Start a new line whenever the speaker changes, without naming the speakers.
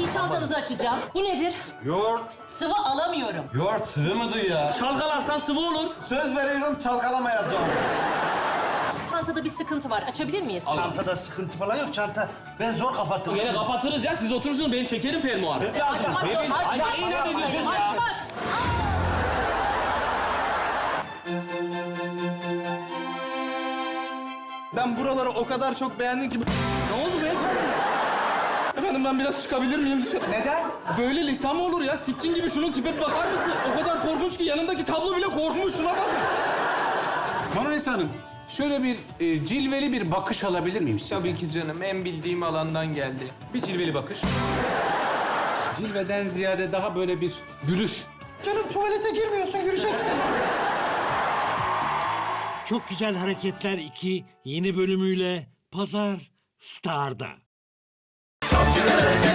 çantanızı açacağım. Bu nedir?
Yoğurt.
Sıvı alamıyorum.
Yoğurt sıvı mıdır ya?
Çalkalarsan sıvı olur.
Söz veriyorum çalkalamayacağım.
Çantada bir sıkıntı var. Açabilir miyiz?
Çantada sıkıntı falan yok. Çanta ben zor kapattım.
Yine kapatırız ya. Siz oturursunuz. Ben çekerim fermuarı.
Açmak yok.
Ay ne inat ediyorsunuz ya?
Açmak.
Ben buraları o kadar çok beğendim ki... Ne oldu beyefendi? Efendim ben biraz çıkabilir miyim dışarı?
Neden?
Böyle lisan mı olur ya? Sitcin gibi şunun tipe bir bakar mısın? O kadar korkunç ki yanındaki tablo bile korkmuş. Şuna bak.
Marmaris Hanım, şöyle bir cilveli bir bakış alabilir miyim sizden?
Tabii ki canım. En bildiğim alandan geldi.
Bir cilveli bakış. Cilveden ziyade daha böyle bir gülüş.
Canım tuvalete girmiyorsun, göreceksin.
Çok Güzel Hareketler 2 yeni bölümüyle Pazar Star'da.
Çok güzel hareketler.